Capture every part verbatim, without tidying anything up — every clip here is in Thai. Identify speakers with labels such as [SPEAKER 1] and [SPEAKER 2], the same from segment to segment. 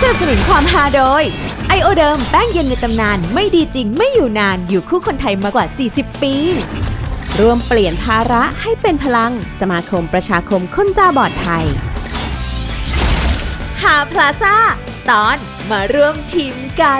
[SPEAKER 1] นับสนุนความฮาโดยไอโอเดิมแป้งเย็นในตำนานไม่ดีจริงไม่อยู่นานอยู่คู่คนไทยมากว่าสี่สิบปีร่วมเปลี่ยนภาระให้เป็นพลังสมาคมประชาคมคนตาบอดไทยหาพลาซ่าตอนมาร่วมทีมกัน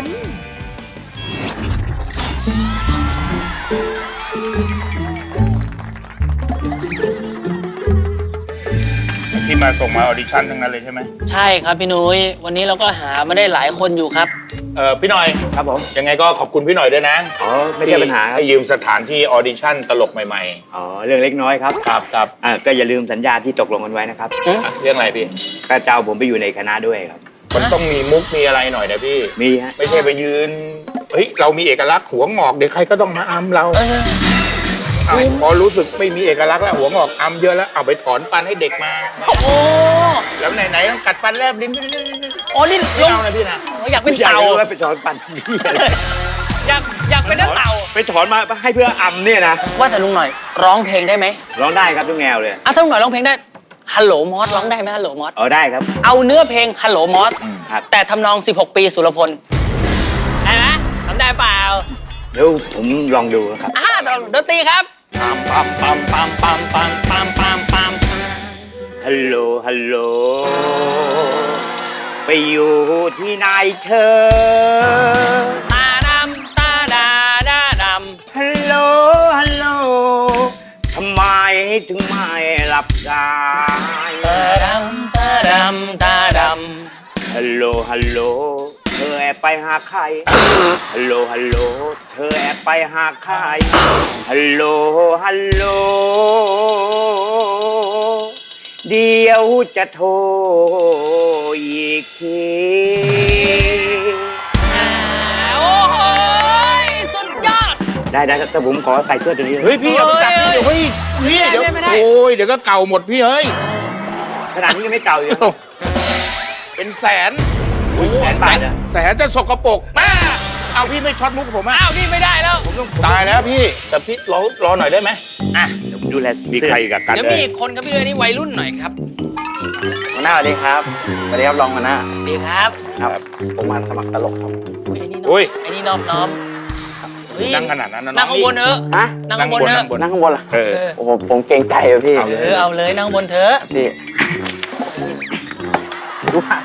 [SPEAKER 2] ที่มาส่งมาออดิชั่นทั้งนั้นเลยใช่ไหม
[SPEAKER 3] ใช่ครับพี่นุ้ยวันนี้เราก็หามาได้หลายคนอยู่ครับ
[SPEAKER 2] เออพี่หน่อย
[SPEAKER 4] ครับผม
[SPEAKER 2] ยังไงก็ขอบคุณพี่หน่อยด้วยนะ
[SPEAKER 4] อ๋อไม่ใช่ปัญหาครับ
[SPEAKER 2] ให้ยืมสถานที่ออดิชั่นตลกใหม่
[SPEAKER 4] ๆอ๋อเรื่องเล็กน้อยครับ
[SPEAKER 2] ครับครับ
[SPEAKER 4] อ่าก็อย่าลืมสัญญาที่ตกลงกันไว้นะครับ
[SPEAKER 2] เรื่องอะไรพี่
[SPEAKER 4] ก็เจ้าผมไปอยู่ในคณะด้วยครับ
[SPEAKER 2] มันต้องมีมุกมีอะไรหน่อยนะพี่
[SPEAKER 4] มีฮะ
[SPEAKER 2] ไม่ใช่ไปยืนเฮ้ยเรามีเอกลักษณ์หัวงอกเดี๋ยวใครก็ต้องมาอำเราพอรู้สึกไม่มีเอกลักษณ์แล้วหัวงอกอำเยอะแล้วเอาไปถอนฟันให้เด็กมา
[SPEAKER 3] โอ้
[SPEAKER 2] แล้วไหนๆต้องกัดฟันแลบลิ้น
[SPEAKER 3] โอ้นี่
[SPEAKER 2] ลงนะพี่นะ
[SPEAKER 3] อยากเป็นเต่า
[SPEAKER 4] ไปถอนฟัน
[SPEAKER 3] อยากอยากเป็นเต่า
[SPEAKER 4] ไปถอนมาให้เพื่ออำเนี่ยนะ
[SPEAKER 3] ว่าแต่ลุงหน่อยร้องเพลงได้ไหม
[SPEAKER 4] ร้องได้ครับทุกแนวเลย
[SPEAKER 3] อ่ะถ้าลุงหน่อยร้องเพลงได้ฮัลโหลมอสร้องได้ไหมฮัลโหลมอส
[SPEAKER 4] เออได้ครับ
[SPEAKER 3] เอาเนื้อเพลงฮัลโหลมอส
[SPEAKER 4] ครับ
[SPEAKER 3] แต่ทำนองสิบหกปีสุรพลได้ไหมทำได้เปล่า
[SPEAKER 4] เดี๋ยวผมลองดูครับ
[SPEAKER 3] อ่าดนตรีครับปั๊มปั๊มปั๊มปั๊มปั๊มปั๊มปั๊มปั๊มปั๊ม
[SPEAKER 4] ฮัลโหลฮัลโหลไปอยู่ที่ไหนเธอ
[SPEAKER 3] ตาดำตาดาดาดำ
[SPEAKER 4] ฮัลโหลฮัลโหลทำไมถึงไม่รับสาย
[SPEAKER 3] ตาดำตาดำตาดำ
[SPEAKER 4] ฮัลโหลฮัลโหลเธอแอบไปหาใครฮัลโหลฮัลโหลเธอแอบไปหาใครฮัลโหลฮัลโหลเดี๋ยวจะโทรอีกที
[SPEAKER 3] โอ้โหสุดยอด
[SPEAKER 4] ได้ได้แต่ผมขอใส่เสื้อตัวนี้
[SPEAKER 2] เฮ้ยพี่เอาไปจับพี่เดี๋ยวเฮ้ยพี่เดี๋ยวโอ้ยเดี๋ยวก็เก่าหมดพี่เฮ้ย
[SPEAKER 4] ขนาดนี้ยังไม่เก่าอยู่
[SPEAKER 2] เป็นแสน
[SPEAKER 4] แสนบาทอะ
[SPEAKER 2] แสนจะสกปรกมาเอาพี่ไม่ช็อตมุกผมอ่ะ
[SPEAKER 3] อ้าวนี่ไม่ได้แล้ว
[SPEAKER 2] ตายแล้วพี่แต่พี่รอรอหน่อยได้ไหม
[SPEAKER 4] อ่ะเดี๋ยวผมดูแล
[SPEAKER 2] มีใครกับกัน
[SPEAKER 3] เดี๋ยวมีอีกคนครับพี่เลยนี่วัยรุ่นหน่อยครับ
[SPEAKER 4] หัวหน้าสวัสดีครับสวัสดีครับรองหัวหน้า
[SPEAKER 3] สวัสดีครับ
[SPEAKER 4] ครับผมมาสมัครตลกครับ
[SPEAKER 3] อุ้ยไอ้นี่น้อมไอ้นี่น้อมน้อม
[SPEAKER 2] นั่งขนาดนั้นนะ
[SPEAKER 3] นั่งข้างบนเถอะ
[SPEAKER 4] ฮะ
[SPEAKER 3] นั่งข้างบนเถอะ
[SPEAKER 4] นั่งข้างบนเหรอเออโอ้โหผมเกรงใจอะพี่
[SPEAKER 3] เออเอาเลยนั่งบนเถอะ
[SPEAKER 4] พี่ดูว่า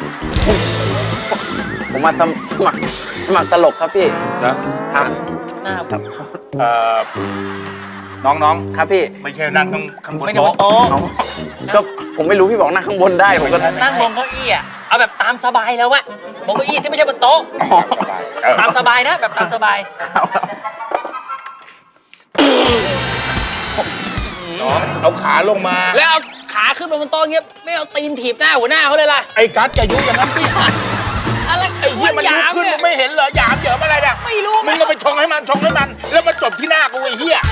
[SPEAKER 4] ผมมาสมัครสมัครตลกครับพี่
[SPEAKER 2] นะครับ
[SPEAKER 3] หน้าครับ
[SPEAKER 2] เอ่อน้อง
[SPEAKER 4] ๆครับพี่
[SPEAKER 2] ไม่ใช่นั่งข้างบน
[SPEAKER 3] โต๊ะโต๊ะ
[SPEAKER 4] ก็ผมไม่รู้พี่บอกนั่งข้างบนได้ผมก็
[SPEAKER 3] นั่งบนเก้าอี้อ่ะเอาแบบตามสบายแล้ววะบนเก้าอี้ที่ไม่ใช่บนโต๊ะตามสบายนะแบบตามสบาย
[SPEAKER 2] น้องเอาขาลงมา
[SPEAKER 3] แล้วเอาขาขึ้นมาบนโต๊ะเงี้ยไม่เอาตีนถีบหน้าหัวหน้าเขาเลยล่ะ
[SPEAKER 2] ไอ้กัสจะยุ่งกันนั้นพี่
[SPEAKER 3] อะไร
[SPEAKER 2] ไอ้เหี้ยมันยุบขึ้นมึงไม่เห็นเหรอหยามเหยิมอะไรเนี่ย
[SPEAKER 3] ไม่รู้
[SPEAKER 2] มึงก็ไปชงให้มันชงให้มันแล้วมาจบที่หน้ากูไอ้เหี้ย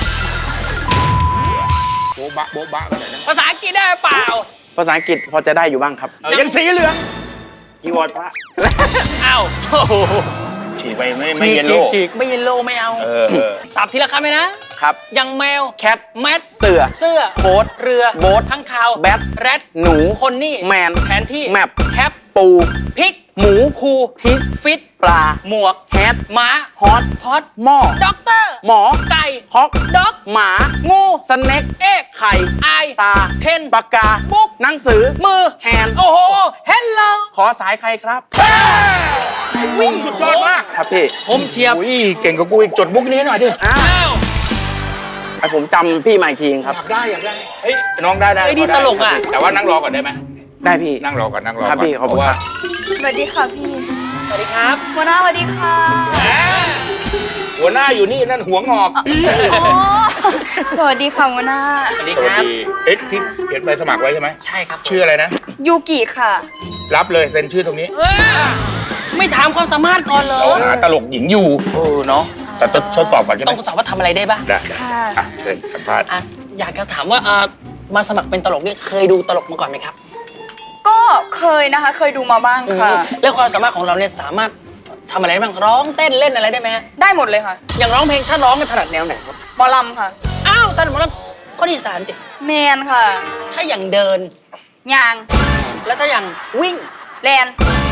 [SPEAKER 2] โบ๊ะบะโบ๊ะบะกันเลยนะ
[SPEAKER 3] ภาษาอังกฤษได้เปล่า
[SPEAKER 4] ภาษาอังกฤษพอจะได้อยู่บ้างครับ
[SPEAKER 2] ยังสีเหลือง
[SPEAKER 4] จีวรพระ
[SPEAKER 3] อ้าว
[SPEAKER 2] ฉีกไปไม่ไม่เยลโล่
[SPEAKER 3] ฉีกไม่เยลโล่ไม่เอาสับทีละคำไหมนะครับยังแมว
[SPEAKER 4] แคท
[SPEAKER 3] แมท
[SPEAKER 4] เสือ
[SPEAKER 3] เสื้อ
[SPEAKER 4] โบ๊ท
[SPEAKER 3] เรือ
[SPEAKER 4] โบ๊ท
[SPEAKER 3] ทั้งข่าว
[SPEAKER 4] แบท
[SPEAKER 3] แรด
[SPEAKER 4] หนู
[SPEAKER 3] คนนี่
[SPEAKER 4] แมน
[SPEAKER 3] แผนที่
[SPEAKER 4] แมป
[SPEAKER 3] แคป
[SPEAKER 4] ปู
[SPEAKER 3] พริก
[SPEAKER 4] หมู
[SPEAKER 3] คู
[SPEAKER 4] ทิศ
[SPEAKER 3] ฟิต
[SPEAKER 4] ปลา
[SPEAKER 3] หมวก
[SPEAKER 4] แฮท
[SPEAKER 3] ม้า
[SPEAKER 4] ฮอต
[SPEAKER 3] พอต
[SPEAKER 4] หม้อ
[SPEAKER 3] ด็อกเตอร์
[SPEAKER 4] หมอ
[SPEAKER 3] ไก่
[SPEAKER 4] ฮอก
[SPEAKER 3] ด็อก
[SPEAKER 4] หมา
[SPEAKER 3] งู
[SPEAKER 4] สเน็ก
[SPEAKER 3] เอก
[SPEAKER 4] ไข่
[SPEAKER 3] ไอ
[SPEAKER 4] ตา
[SPEAKER 3] เพน
[SPEAKER 4] ปากกา
[SPEAKER 3] บุ๊ก
[SPEAKER 4] หนังสือ
[SPEAKER 3] มือ
[SPEAKER 4] แฮน
[SPEAKER 3] โอ้โหเฮลโล
[SPEAKER 4] ขอสายใครครับ
[SPEAKER 2] วิ่งสุดยอดมาก
[SPEAKER 4] ครับพี่
[SPEAKER 3] ผมเชียบ
[SPEAKER 2] อุ้ยเก่งกว่ากูอีกจดมุกนี้หน่อยดิ
[SPEAKER 3] อ้าว
[SPEAKER 4] ไอผมจำพี่มาอีกทีครับ
[SPEAKER 2] อยากได้อยากได้เฮ้ยน้องได้ได้
[SPEAKER 3] ไอ้นี่ตลกอ่ะ
[SPEAKER 2] แต่ว่านั่งรอก่อนได้ไหม
[SPEAKER 4] ได้พี่
[SPEAKER 2] นั่งรอก่อนนั่งรอก่อน
[SPEAKER 4] ครับพี่ขอบคุณครับ
[SPEAKER 5] สวัสดีค่ะพี่
[SPEAKER 3] สวัสดีครับ
[SPEAKER 5] หัวหน้าสวัสดีค่ะ
[SPEAKER 2] หัวหน้าอยู่นี่นั่นหัวงอก
[SPEAKER 5] สวัสดีค่ะหัวหน้า
[SPEAKER 3] สวัสดีครับ
[SPEAKER 2] เอ๊ะที่เขียนใบสมัครไว้ใช่ไหม
[SPEAKER 3] ใช่ครับ
[SPEAKER 2] ชื่ออะไรนะ
[SPEAKER 5] ยูกิค่ะ
[SPEAKER 2] รับเลยเซ็นชื่อตรงนี้
[SPEAKER 3] ไม่ถามความสามารถก่อนเหรอ
[SPEAKER 2] หาตลกหญิงอยู่
[SPEAKER 3] โอ้เนาะ
[SPEAKER 2] แต่ต้องทดสอบก่อนใช่ไหม
[SPEAKER 3] ต้องทดสอบว่าทำอะไรได้บ้าง
[SPEAKER 2] ได้
[SPEAKER 5] ค่ะ
[SPEAKER 2] อ่ะเชิญสัมภาษณ์
[SPEAKER 3] อยากจะถามว่ามาสมัครเป็นตลกนี่เคยดูตลกมาก่อนไหมครับ
[SPEAKER 5] ก็เคยนะคะเคยดูมาบ้างค่ะ
[SPEAKER 3] แล้วความสามารถของเราเนี่ยสามารถทำอะไรบ้างร้องเต้นเล่นอะไรได้ไหม
[SPEAKER 5] ได้หมดเลยค่ะ
[SPEAKER 3] อย่างร้องเพลงถ้าร้องกันถนัดแนวไหนครับ
[SPEAKER 5] หมอลำค่ะ
[SPEAKER 3] อ้าวถนัดหมอลำข้อที่สามจิ
[SPEAKER 5] แมนค่ะ
[SPEAKER 3] ถ้าอย่างเดิน
[SPEAKER 5] ยาง
[SPEAKER 3] แล้วถ้าอย่างวิ่ง
[SPEAKER 5] แลน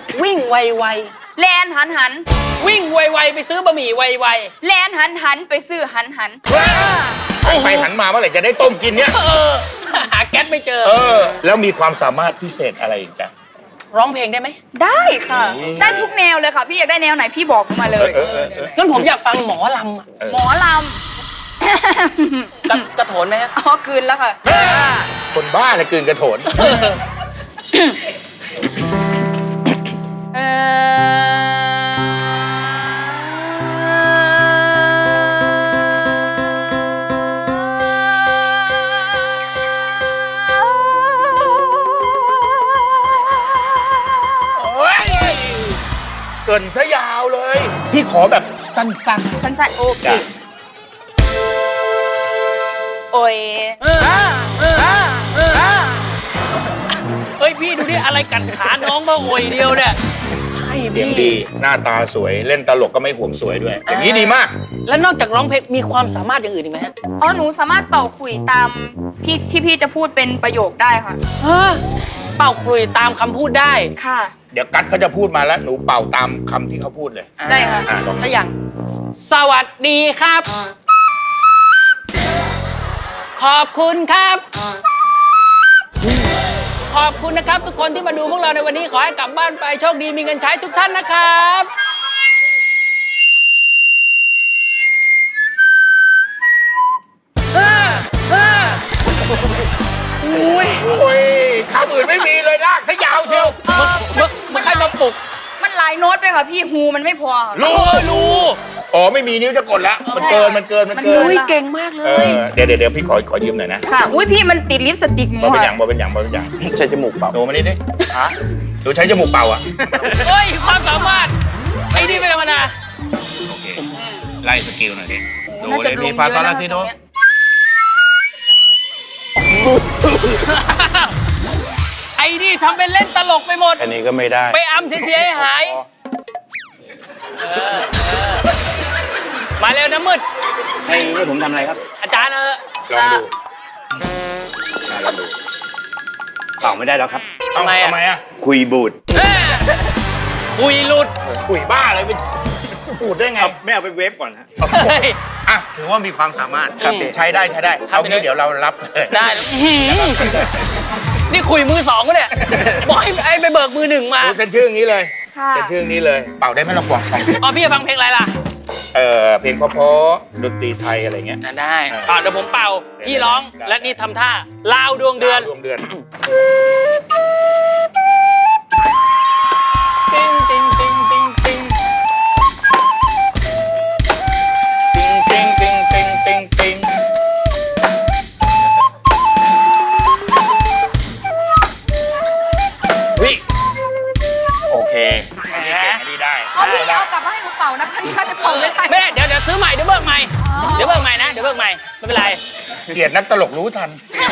[SPEAKER 3] วิ่งไว
[SPEAKER 5] แลนหันหัน
[SPEAKER 3] ๆวิ่งไวๆไปซื้อบะหมี่ไว
[SPEAKER 5] แลนหันหันไปซื้อหันหัน
[SPEAKER 2] หันไปหันมาเมื่อไหร่จะได้ต้มกินเนี่ย
[SPEAKER 3] ๆเออหาแก๊สไม่เจอ
[SPEAKER 2] เออ แล้วมีความสามารถพิเศษอะไรอีกจ้ะ
[SPEAKER 3] ร้องเพลงได้ไหม
[SPEAKER 5] ได้ค่ะ ได้ทุกแนวเลยค่ะ พี่อยากได้แนวไหนพี่บอกมาเล
[SPEAKER 2] เออย เออเออเออ
[SPEAKER 3] งั้นผมอยากฟังหมอลำอะ
[SPEAKER 2] เออ
[SPEAKER 5] หมอล
[SPEAKER 3] กระกระโถนไหมฮะ
[SPEAKER 5] ำ อ๋อคืนแล้วค่ะ
[SPEAKER 2] คนบ้าเลยกลืนกระโถน
[SPEAKER 5] เออ
[SPEAKER 2] โอ้ยเกินซะยาวเลย พี่ขอแบบสั้น
[SPEAKER 5] สั้นๆโอ
[SPEAKER 2] ๆ
[SPEAKER 5] เค
[SPEAKER 2] จ้ะ
[SPEAKER 5] โอ้ย
[SPEAKER 3] เออเออเออเฮ้ยพี่ดูดิอะไรกัดขาน้องมาโอยเดียวเนี่ยใช่
[SPEAKER 2] เสียง
[SPEAKER 3] พี่
[SPEAKER 2] ดี หน้าตาสวย เล่นตลกก็ไม่ห่วงสวยด้วย อย่างนี้ดีมาก
[SPEAKER 3] แล้วนอกจากร้องเพลงมีความสามารถอย่างอื่นอีกไหมฮะ
[SPEAKER 5] อ๋อหนูสามารถเป่าขลุ่ยตามพี่ที่พี่จะพูดเป็นประโยคได้ค่ะ
[SPEAKER 3] ฮะเป่าคลุยตามคำพูดได้
[SPEAKER 5] ค่ะ
[SPEAKER 2] เดี๋ยวกัดเขาจะพูดมาแล้วหนูเป่าตามคำที่เขาพูดเลย
[SPEAKER 5] ได้ค่ะ
[SPEAKER 2] อ่ะลอง
[SPEAKER 3] ถ้าอย่าง สวัสดีครับ ขอบคุณครับ ขอบคุณนะครับ ทุกคนที่มาดูพวกเราในวันนี้ขอให้กลับบ้านไปโชคดีมีเงินใช้ทุกท่านนะครับห้าห้าอุ้ย
[SPEAKER 2] โอ้ยคำอื่นไม่มีเลยลากถ้ายาวเชียว
[SPEAKER 3] มึกมึกใครมาปลุก
[SPEAKER 5] มันหลายโน้ตไปค่ะพี่ฮูมันไม่พอค่ะ
[SPEAKER 2] รู้
[SPEAKER 3] เออรู้
[SPEAKER 2] อ๋อไม่มีนิ้วจะกดแล้ว มันเกิน มันเกิน มันเกิน
[SPEAKER 5] มันเกิ
[SPEAKER 3] อุ้ยเก่งมากเล
[SPEAKER 2] เอย อ เดี๋ยวเดี๋ยวเดี๋ยวพี่ขอขอยืมหน่อยนะ
[SPEAKER 5] ค่ะ อุ้ยพี่มันติดลิปสติกหนู
[SPEAKER 2] บ่เป็นอ
[SPEAKER 5] ค่ะ
[SPEAKER 2] ย่างบ่เป็นอย่างบ่เป็นอย่าง
[SPEAKER 4] ใช้จมูกเปล่า
[SPEAKER 2] หนูมานี่ดิฮะหนูใช้จมูกเป่าอ่ะ
[SPEAKER 3] เฮ้ย ความสามารถ ไอ้นี่ไม่ธรรมดา
[SPEAKER 2] โอเค ไล่สกิลหน่อยดิดู
[SPEAKER 5] น่า
[SPEAKER 2] เล
[SPEAKER 5] จะ
[SPEAKER 2] ย
[SPEAKER 5] ล
[SPEAKER 2] มี
[SPEAKER 5] ง
[SPEAKER 2] ฟา
[SPEAKER 5] เย
[SPEAKER 2] ตอน
[SPEAKER 5] อะ
[SPEAKER 2] ลา
[SPEAKER 5] นะ
[SPEAKER 2] ซิโด
[SPEAKER 5] ทรงเนี้ย
[SPEAKER 3] ไอ้นี่ทำเป็นเล่นตลกไปหมด
[SPEAKER 2] อันนี้ก็ไม่ได้
[SPEAKER 3] ไปอำเสียให้หายเออเออมาเร็วนะมืด
[SPEAKER 4] ให้ให้ผมทำอะไรครับ
[SPEAKER 3] อาจารย์เออ
[SPEAKER 2] ลองดูอ่ะลองดู
[SPEAKER 4] เปล่าไม่ได้แล้วครับ
[SPEAKER 2] เอ้า
[SPEAKER 3] ทำไมอะ
[SPEAKER 2] ทำไมอ่ะ
[SPEAKER 4] คุยบูด
[SPEAKER 3] เอ้ยคุยหลุด
[SPEAKER 2] คุยบ้าอะไรไปพูดได้ไง
[SPEAKER 4] ไม่เอาไปเวฟก่อนฮะ
[SPEAKER 3] เฮ้ย
[SPEAKER 2] อ่ะถือว่ามีความสามารถ
[SPEAKER 3] ครับ
[SPEAKER 2] ใช้ได้ใช้ได้
[SPEAKER 3] ครับ
[SPEAKER 2] เอางี้เดี๋ยวเรารับเลย
[SPEAKER 3] ได้อื้อหือนี่คุยมือสองก็เนี่ยบอกให้ไอ้ไปเบิกมือหนึ่งมา
[SPEAKER 2] ดูเป็นชื่ออย่างนี้เลย
[SPEAKER 5] ค่ะ
[SPEAKER 2] เป็นชื่ออย่างนี้เลย เป่าได้ไหมลองฟังฟัง
[SPEAKER 3] อ๋อพี่จะฟังเพลงอะไรล่ะ
[SPEAKER 2] เออเพลงเพราะๆดนตรีไทยอะไรเงี้ย
[SPEAKER 3] อ่ะได้อ่ะเดี๋ยวผมเป่า พี่ร้อง
[SPEAKER 2] ได้
[SPEAKER 3] และนี่ทำท่าลาวดวงเดือน
[SPEAKER 2] ดวงเดือนติ๊งติ๊งติ๊งติ๊งติ๊งติ๊งติ๊งติ๊งติ๊งติ๊งวิโอเคอันนี้เก่งอันนี้ได้
[SPEAKER 5] เอาพี่
[SPEAKER 2] ได้
[SPEAKER 5] เอากลับมาให้หนูเป่านะคะนี่น่าจะเป่าไม่ได้
[SPEAKER 3] แม่เดี๋ยวเดี๋ยวซื้อใหม่เดี๋ยวเบิกใหม่ เดี๋ยวเบิกใหม่นะ เดี๋ยวเบิกใหม่ ไม่เป็นไร
[SPEAKER 2] เกลียดนักตลกรู้ทัน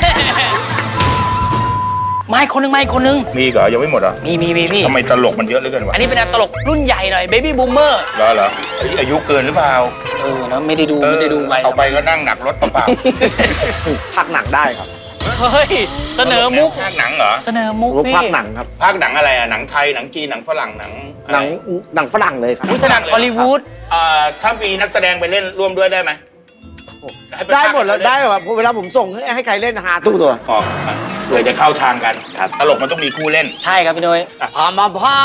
[SPEAKER 3] มาอีกคนหนึงมาอีกคนหนึง
[SPEAKER 2] มีอีกเหรอยังไม่หมดเหรอ
[SPEAKER 3] มีมีมีพี่
[SPEAKER 2] ทำไมตลกมันเยอะเหลือเกินวะ
[SPEAKER 3] อันนี้เป็นตลกรุ่นใหญ่หน่อยเบบี้บูมเมอร์
[SPEAKER 2] เหรอเหรอเอ้ยอายุเกินหรือเปล่า
[SPEAKER 3] เออนะไม่ได้ดูไม่ได้ดูไป
[SPEAKER 2] เอาไปก็นั่งหนักรถเปล่า
[SPEAKER 4] พักหนังได้ครับ
[SPEAKER 3] เฮ้ย
[SPEAKER 2] ๆ
[SPEAKER 3] เสนอมุก
[SPEAKER 2] ภาคหนังเหรอ
[SPEAKER 3] เสนอมุก
[SPEAKER 4] ผม
[SPEAKER 3] พี่
[SPEAKER 4] พักหนังครับ
[SPEAKER 2] ภาคหนังอะไรอะหนังไทยหนังจีนหนังฝรั่งหนังอะไร
[SPEAKER 4] หนังหนังฝรั่งเลยครับ
[SPEAKER 3] พุทธนันฮอลลีวูด
[SPEAKER 2] เอ่อถ้ามีนักแสดงไปเล่นร่วมด้วยได้ไหมให้ป
[SPEAKER 4] ได้หมดแล้ว
[SPEAKER 2] ภาค
[SPEAKER 4] ได้แบบเวลาผมส่งให้ให้ใครเล่นหาตู้ตัว
[SPEAKER 2] ออกเผื่อจะเข้าทางกันตลกมันต้องมีคู่เล่น
[SPEAKER 3] ใช่ครับพี่นุ้ย
[SPEAKER 4] พามาพา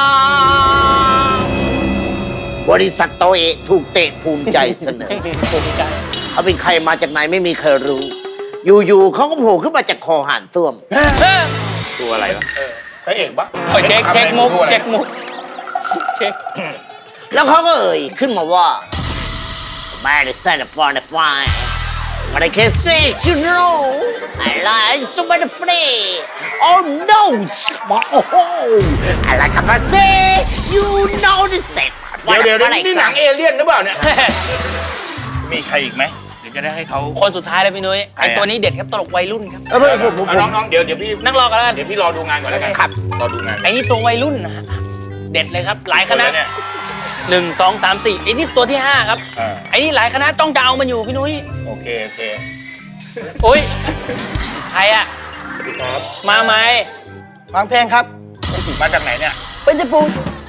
[SPEAKER 4] บริษัทโตเอะถูกเตะภูมิใจเสนอ
[SPEAKER 3] ภูมิใจ
[SPEAKER 4] เขาเป็นใครมาจากไหนไม่มีใครรู้ อยู่ๆเขาก็โผล่ขึ้นมาจากคอหานต้วม
[SPEAKER 2] ตัวอะไรวะเออพระเอกปะ
[SPEAKER 3] โอ้ยเช็คเช็คมุกเช็คมุกเช็ค
[SPEAKER 4] แล้วเขาก็เอ่ยขึ้นมาว่า Man is set for the fine but I can say you know I like so much free oh no I like to say you know the set
[SPEAKER 2] เดี๋ยวเดี๋ยวเดี๋ยวนี่หนังเอเลี่ยนหรือเปล่าเนี่ย มีใครอีกไหมเดี๋ยวจะได้ให้เขา
[SPEAKER 3] คนสุดท้ายเลยพี่นุ้ย
[SPEAKER 2] ใคร
[SPEAKER 3] ไอ
[SPEAKER 2] อะ
[SPEAKER 3] ตัวนี้เด็ดครับตลกวัยรุ่นครับ
[SPEAKER 4] เออผมผมผม
[SPEAKER 2] เอาน้องๆเดี๋ยวเดี๋ยวพี่
[SPEAKER 3] นั่งรอกันแล้วกัน
[SPEAKER 2] เดี๋ยวพี่รอดูงานก่อนแล้วกัน
[SPEAKER 4] ครับ
[SPEAKER 2] รอดูงาน
[SPEAKER 3] ไอ้นี่ตัววัยรุ่นนะฮะเด็ดเลยครับ หลายคณะ
[SPEAKER 2] แล้วเนี่ย
[SPEAKER 3] หนึ่งสองสามสี่ไอ้นี่ตัวที่ห้าครับ
[SPEAKER 2] อ่า
[SPEAKER 3] ไอ้นี่หลายคณะต้องจะเอามันอยู่พี่นุ้ย
[SPEAKER 2] โอเคโอเค
[SPEAKER 3] โอ้ยใครอะ
[SPEAKER 2] ครับ
[SPEAKER 3] มาไหม
[SPEAKER 6] ฟังเพลงครับ
[SPEAKER 2] มาจากไหนเนี่ย
[SPEAKER 6] เป็นญี่ปุ่น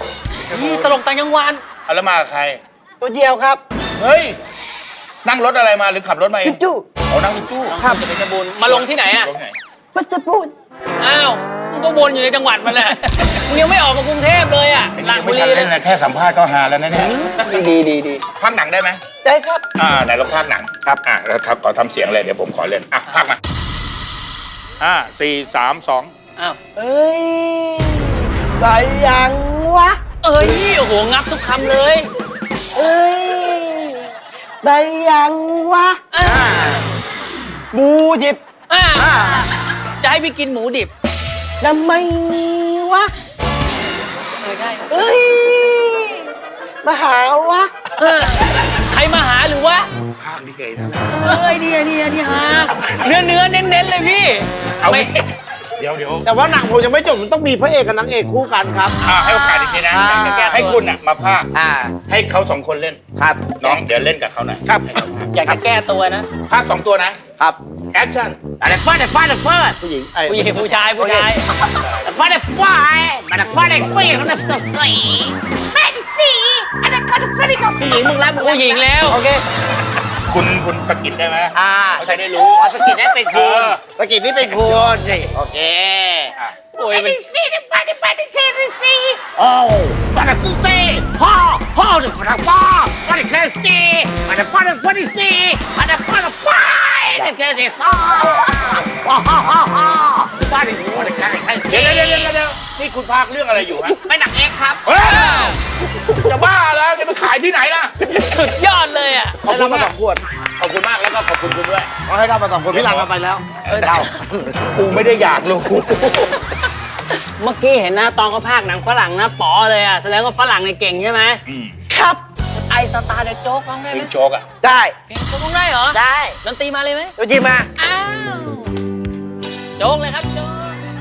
[SPEAKER 3] นี่ตลกต่างจังหวัด
[SPEAKER 2] เอาแล้วมากับใคร
[SPEAKER 4] ตัวเดียวครับ
[SPEAKER 2] เฮ้ย นั่งรถอะไรมาหรือขับรถมาเอง
[SPEAKER 4] จุ๊
[SPEAKER 2] เอานั่งรถตู้
[SPEAKER 3] ครับจะเป็นกระบุญมาลงที่ไหนอ่ะ
[SPEAKER 2] ลงไหน
[SPEAKER 4] มันจะพูด
[SPEAKER 3] อ้าวมึงก็วนอยู่ในจังหวัดมันแหละมึงยังไม่ออกมากรุงเทพเลยอ่ะหลัง
[SPEAKER 2] ไม่
[SPEAKER 3] บุ
[SPEAKER 2] ทัน
[SPEAKER 3] รีเล
[SPEAKER 2] เล่
[SPEAKER 3] ย
[SPEAKER 2] นนะแค่สัมภาษณ์ก็ฮาแล้วนะเนี่ย
[SPEAKER 3] ดีดีดี
[SPEAKER 2] ภาคหนังได้ไหม
[SPEAKER 4] ได้ครับ
[SPEAKER 2] อ่าไหนลองภาคหนังครับอ่าแล้วทำขอทำเสียงเลยเดี๋ยวผมขอเล่นอ่ะภาคมาห้าสี่สามสอง
[SPEAKER 3] อ้าว
[SPEAKER 4] เอ้ยไปยังวะ
[SPEAKER 3] เอ้ยโอ้โหงับทุกคำเลย
[SPEAKER 4] เอ้ยไปยังวะ
[SPEAKER 3] อ่า
[SPEAKER 4] บูจิบ
[SPEAKER 3] อ่าจะให้พี่กินหมูดิบ
[SPEAKER 4] ทำไมวะ
[SPEAKER 3] เออได้
[SPEAKER 4] เอ้ยมาหาวะ
[SPEAKER 3] เออใครมาหาหรือวะ
[SPEAKER 2] ภาคนี่เกยนะ
[SPEAKER 3] เอ้ยเนี่ยเนี่ยเนี่ยฮะเนื้อเนื้อเน้นเน้นๆเลยพี่
[SPEAKER 2] เอา
[SPEAKER 3] ไม่
[SPEAKER 2] เดี๋ยวเดี๋ยว
[SPEAKER 4] แต่ว่าหนังผมยังไม่จบมันต้องมีพระเอกกับนางเอกคู่กันครับ
[SPEAKER 2] อ่าให้โอกาสอีกทีนะ
[SPEAKER 4] อ่า
[SPEAKER 2] เดี๋ยวแกให้คุณอ่ะมาภาค
[SPEAKER 4] อ่า
[SPEAKER 2] ให้เขาสองคนเล่น
[SPEAKER 4] ครับ
[SPEAKER 2] น้องเดี๋ยวเล่นกับเขาหน่อย
[SPEAKER 4] ครับ
[SPEAKER 2] ให้เขาภาค
[SPEAKER 3] อยากจะแก้ตัวนะ
[SPEAKER 2] ภาคสองตัวนะครับ แอคชั่น
[SPEAKER 4] อะไรฟาดอะไรฟาดอะไรฟาดผู้หญิงไอ้
[SPEAKER 3] ผู้หญิงผู้ชายผู้ชาย
[SPEAKER 4] ฟาดอะไรฟาดมันฟาดอะไรฟาดเขาเนี่ยสดใสแม่สีอันนั้นเขาจะฟาดกับผู้หญิงมึงแล้วมึง
[SPEAKER 3] ผู้หญิงแล้ว
[SPEAKER 4] โอเค
[SPEAKER 2] คุณคุณสกิดได้ไหม
[SPEAKER 4] อ่า
[SPEAKER 2] เขาจะได้รู้
[SPEAKER 4] อ๋อสกิดนี่เป็นคุณ
[SPEAKER 2] เออ
[SPEAKER 4] สกิดนี่เป็นคุณนี่โอเค
[SPEAKER 2] อ่ะ
[SPEAKER 3] โอ้ยมัน
[SPEAKER 4] สีนี่ไปนี่ไปนี่เคสีโอ้มันจะคือสีพ่อพ่อจะฟาดพ่อมันจะเคสีมันจะฟาดฟาดสีมันจะฟาดฟาดนี่เคสีซ่าว้าวฮ่าฮ่าฮ่าฟาดสีมันจะเคสี
[SPEAKER 2] เดี๋ยวเดี๋ยวเดี๋ยวเดี๋ยวนี่คุณภาคเรื่องอะไรอยู่ฮะ
[SPEAKER 4] ไม่หนักเองครับ
[SPEAKER 2] เฮ้ยจะบ้าแล้วจะไปขายที่ไหนล่ะ
[SPEAKER 3] สุดยอดเลยอ่ะ
[SPEAKER 4] ขอบคุณมาสองขวด
[SPEAKER 2] ขอบคุณมากแล้วก็ขอบคุณคุณด้วย
[SPEAKER 4] เอาให้เรามาสองคนพี่หลังเราไปแล้ว
[SPEAKER 3] เออเดา
[SPEAKER 2] กูไม่ได้อยากรู้
[SPEAKER 3] เมื่อกี้เห็นนะตอนเขาพากย์หนังฝรั่งนะป๋อเลยอ่ะแสดงว่าฝรั่งเนี่ยเก่งใช่ไหม
[SPEAKER 2] อืม
[SPEAKER 4] ครับ
[SPEAKER 3] ไอสตาร์เดอะโจ๊กร้องได้
[SPEAKER 2] เพ
[SPEAKER 3] ไห
[SPEAKER 2] ล
[SPEAKER 3] ม
[SPEAKER 2] งโจ๊กอ่ะ
[SPEAKER 4] ได้
[SPEAKER 3] เพลงโจ๊กร้องได้เหรอ
[SPEAKER 4] ได้
[SPEAKER 3] ดนตรีมาเลยไหม
[SPEAKER 4] ตัวจริงมา
[SPEAKER 3] อ้าวโจ๊กเลยครับโจ๊ก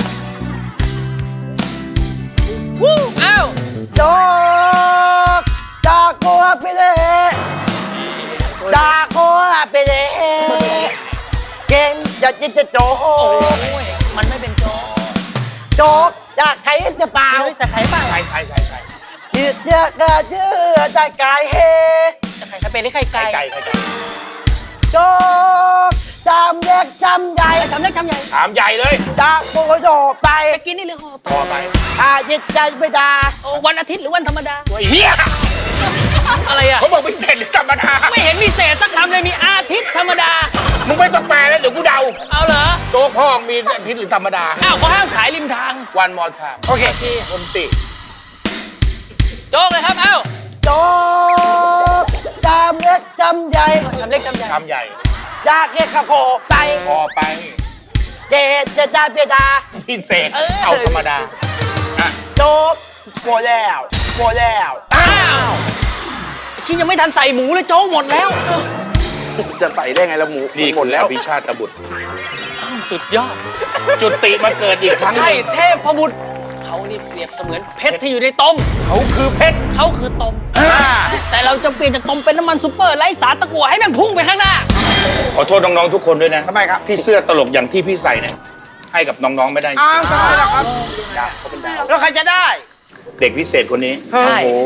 [SPEAKER 3] วู้อ้าว
[SPEAKER 4] โจ๊กจากกัวไปเลยจากกัวไปเลยเก่งจะจะจะโจ๊ก
[SPEAKER 3] โอ้ยมันไม่เป็นโจ๊ก
[SPEAKER 4] โจ๊กจากใครจะเปล่า
[SPEAKER 3] เฮ้ยใส่ไข่เปล่า
[SPEAKER 2] ใช่ใช่ใช่ใช่
[SPEAKER 4] ยืดเยอะกระเจือใจกายเฮ
[SPEAKER 3] ใส่ไข่ไข่เป็นหรือไข่ไก่
[SPEAKER 2] ไก่ไก่ไก่
[SPEAKER 4] โจ๊กจำเล็กจำใหญ่
[SPEAKER 3] จำเล็กจำใหญ่
[SPEAKER 2] ถามใหญ่เลย
[SPEAKER 4] จากกัวโดไป
[SPEAKER 3] จะกินนี่หรือห่อ
[SPEAKER 2] พอไป
[SPEAKER 4] อาจิตใจไม่ได้
[SPEAKER 3] โอ้วันอาทิตย์หรือวันธรรมดา
[SPEAKER 2] ตัวเฮีย
[SPEAKER 3] อะไรอ่ะ
[SPEAKER 2] เขาบอกไม่เสร็จหรือธรรมดา
[SPEAKER 3] ไม่เห็นมีเศษสักคำเลยมีอาทิตย์ธรรมดา
[SPEAKER 2] มึงไม่ต้องแปลแล้วเดี๋ยวกูเดา
[SPEAKER 3] เอาเหรอ
[SPEAKER 2] โจ๊กพ่อมีอาทิตย์หรือธรรมดา
[SPEAKER 3] อ้าวเขาห้ามขายริมทาง
[SPEAKER 2] วันมอทาม
[SPEAKER 3] โอเค
[SPEAKER 2] คนติ
[SPEAKER 3] โจ๊กเลยครับ เอ้า
[SPEAKER 4] โจ๊กจำเล็กจำใหญ่
[SPEAKER 3] จำเล็กจำใหญ่
[SPEAKER 2] ชามใหญ่
[SPEAKER 4] อยากเก็บข้าโคไป
[SPEAKER 2] พอไป
[SPEAKER 4] เจจะจ่ายเปียดา
[SPEAKER 2] พิเศษเอาธรรมดาอ่ะ
[SPEAKER 4] โจ๊กโมแล้วโมแล้ว
[SPEAKER 3] อ้าวที่ยังไม่ทันใส่หมูเลยโจ๊กหมดแล้ว
[SPEAKER 4] จะใส่ได้ไงละหมู
[SPEAKER 2] นี่หมดแล้วพิชาตบุตร
[SPEAKER 3] สุดยอด
[SPEAKER 2] จุติมาเกิดอีกครั้งห
[SPEAKER 3] ใช่
[SPEAKER 2] นึ่ง
[SPEAKER 3] เทพพบุตรเขานี่เปรียบเสมือนเพชรที่อยู่ในต้ม
[SPEAKER 2] เขาคือเพชร
[SPEAKER 3] เขาคือต้มแต่เราจะเปลี่ยนจากต้มเป็นน้ำมันซุปเปอร์ไร้สารตะกั่วให้แม่งพุ่งไปข้างหน้า
[SPEAKER 2] ขอโทษน้องๆทุกคนด้วยนะ
[SPEAKER 4] ทำไมครับ
[SPEAKER 2] ที่เสื้อตลกอย่างที่พี่ใส่เนี่ยให้กับน้องๆไม่ได้
[SPEAKER 4] อ้าวทำไมล่ะครับแล้วใครจะได้
[SPEAKER 2] เด็กพิเศษคนนี้
[SPEAKER 3] ใช่
[SPEAKER 2] โอ้โห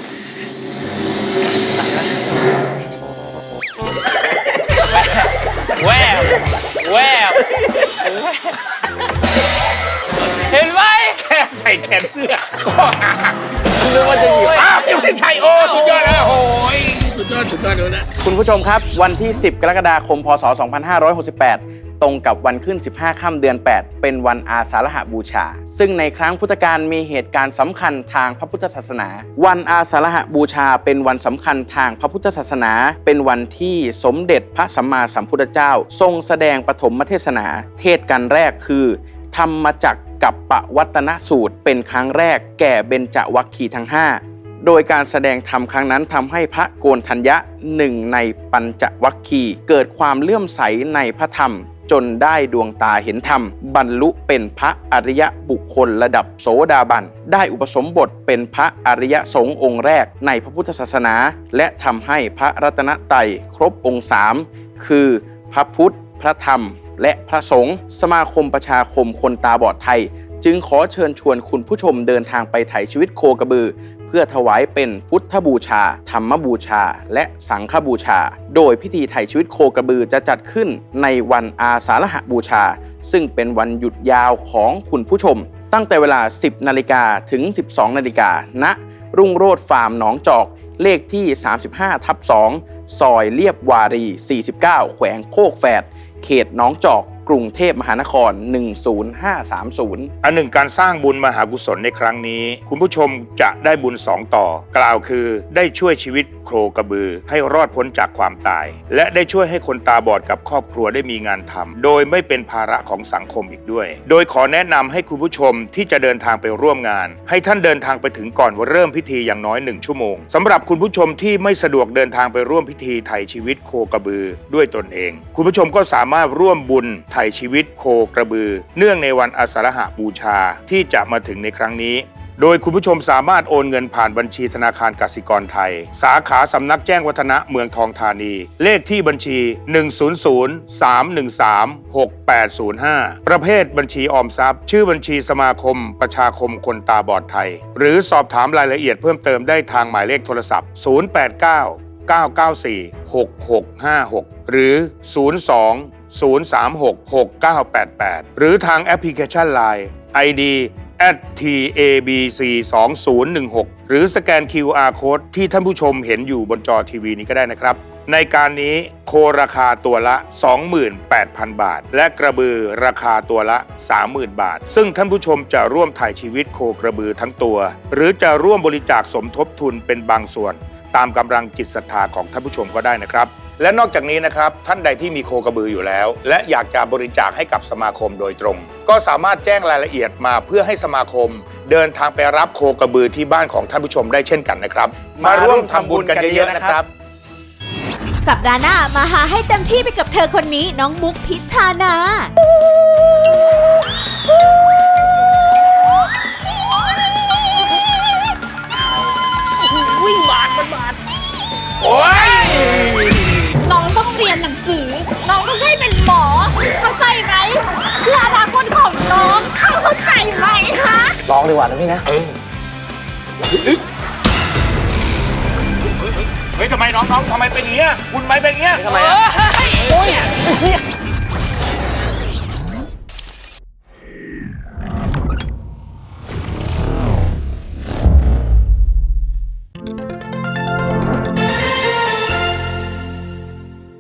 [SPEAKER 3] แววแววเห็นไหม
[SPEAKER 2] แค่ใส่แขนเสื้อก็หัก
[SPEAKER 4] นึกว่าจะหยิบ
[SPEAKER 2] อ้าวยังไม่ใช่โอ้สุดยอดแล้วโอ้ยสุดยอดสุดยอดเลยนะ
[SPEAKER 6] คุณผู้ชมครับ วันที่ สิบ กรกฎาคม พ.ศ. สองพันห้าร้อยหกสิบแปด ตรงกับวันขึ้น สิบห้า ค่ำเดือน แปด เป็นวันอาสาฬหบูชา ซึ่งในครั้งพุทธกาลมีเหตุการณ์สำคัญทางพระพุทธศาสนา วันอาสาฬหบูชาเป็นวันสำคัญทางพระพุทธศาสนา เป็นวันที่สมเด็จพระสัมมาสัมพุทธเจ้า ทรงแสดงปฐมเทศนา เทศกันแรกคือธรรมจักรกับปวัตนสูตรเป็นครั้งแรกแก่เบญจวัคคีย์ทั้งห้า โดยการแสดงธรรมครั้งนั้นทำให้พระโกณฑัญญะหนึ่งในปัญจวัคคีย์เกิดความเลื่อมใสในพระธรรม จนได้ดวงตาเห็นธรรม บรรลุเป็นพระอริยบุคคลระดับโสดาบันได้อุปสมบทเป็นพระอริยสงฆ์องค์แรกในพระพุทธศาสนา และทำให้พระรัตนตรัยครบองค์สามคือพระพุทธพระธรรมและพระสงฆ์สมาคมประชาคมคนตาบอดไทยจึงขอเชิญชวนคุณผู้ชมเดินทางไปไถ่ชีวิตโคกระบือ เพื่อถวายเป็นพุทธบูชา ธรรมบูชา และสังฆบูชา โดยพิธีไถ่ชีวิตโคกระบือจะจัดขึ้นในวันอาสาฬหบูชา ซึ่งเป็นวันหยุดยาวของคุณผู้ชม ตั้งแต่เวลา สิบนาฬิกาถึง สิบสองนาฬิกาณรุ่งโรจน์ฟาร์มหนองจอกเลขที่ สามสิบห้าทับสอง ซอยเลียบวารี สี่สิบเก้า แขวงโคกแฝด เขตหนองจอกกรุงเทพมหานคร หนึ่งศูนย์ห้าสามศูนย์
[SPEAKER 2] อันหนึ่งการสร้างบุญมหากุศลในครั้งนี้ คุณผู้ชมจะได้บุญสองต่อ กล่าวคือได้ช่วยชีวิตโคกระบือให้รอดพ้นจากความตาย และได้ช่วยให้คนตาบอดกับครอบครัวได้มีงานทำโดยไม่เป็นภาระของสังคมอีกด้วย โดยขอแนะนำให้คุณผู้ชมที่จะเดินทางไปร่วมงาน ให้ท่านเดินทางไปถึงก่อนเริ่มพิธีอย่างน้อยหนึ่งชั่วโมงสำหรับคุณผู้ชมที่ไม่สะดวกเดินทางไปร่วมพิธีไถ่ชีวิตโคกระบือด้วยตนเอง คุณผู้ชมก็สามารถร่วมบุญไถ่ชีวิตโคกระบือเนื่องในวันอาสาฬหบูชาที่จะมาถึงในครั้งนี้โดยคุณผู้ชมสามารถโอนเงินผ่านบัญชีธนาคารกสิกรไทยสาขาสำนักแจ้งวัฒนะเมืองทองธานีเลขที่บัญชี หนึ่ง ศูนย์ ศูนย์ สาม หนึ่ง สาม หก แปด ศูนย์ ห้า ประเภทบัญชีออมทรัพย์ชื่อบัญชีสมาคมประชาคมคนตาบอดไทยหรือสอบถามรายละเอียดเพิ่มเติมได้ทางหมายเลขโทรศัพท์ ศูนย์ แปด เก้า เก้า เก้า สี่ หก หก ห้า หก หรือ ศูนย์ สอง ศูนย์ สาม หก หก เก้า แปด แปด หรือทางแอปพลิเคชัน ไลน์ ไอ ดี แอท ที เอ บี ซี สอง ศูนย์ หนึ่ง หก หรือสแกน คิว อาร์ Code ที่ท่านผู้ชมเห็นอยู่บนจอทีวีนี้ก็ได้นะครับในการนี้โคราคาตัวละ สองหมื่นแปดพัน บาทและกระบือราคาตัวละ สามหมื่น บาทซึ่งท่านผู้ชมจะร่วมถ่ายชีวิตโคกระบือทั้งตัวหรือจะร่วมบริจาคสมทบทุนเป็นบางส่วนตามกำลังจิตศรัทธาของท่านผู้ชมก็ได้นะครับและนอกจากนี้นะครับท่านใดที่มีโคกระบืออยู่แล้วและอยากจะบริจาคให้กับสมาคมโดยตรงก็สามารถแจ้งรายละเอียดมาเพื่อให้สมาคมเดินทางไปรับโคกระบือที่บ้านของท่านผู้ชมได้เช่นกันนะครับมาร่วมทำบุญกันเยอะๆนะครับ
[SPEAKER 1] สัปดาห์หน้ามาหาให้เต็มที่ไปกับเธอคนนี้น้องมุกพิชชานา
[SPEAKER 3] วิ่งบาดมันบาด
[SPEAKER 2] โอ้ย
[SPEAKER 7] น้องต้องเรียนหนังสือ น้องต้องได้เป็นหมอ เข้าใจไหมเพื่ออนาคตของน้อง เข้าใจไหมคะ
[SPEAKER 4] ลองดีกว่านะพี่นะ
[SPEAKER 2] เออเฮ้ยทำไมน้องๆทำไมเป็นอย่างเงี้ยคุณไม่เป็นอย่างเงี้ย
[SPEAKER 3] ทำไม
[SPEAKER 2] โอ้ย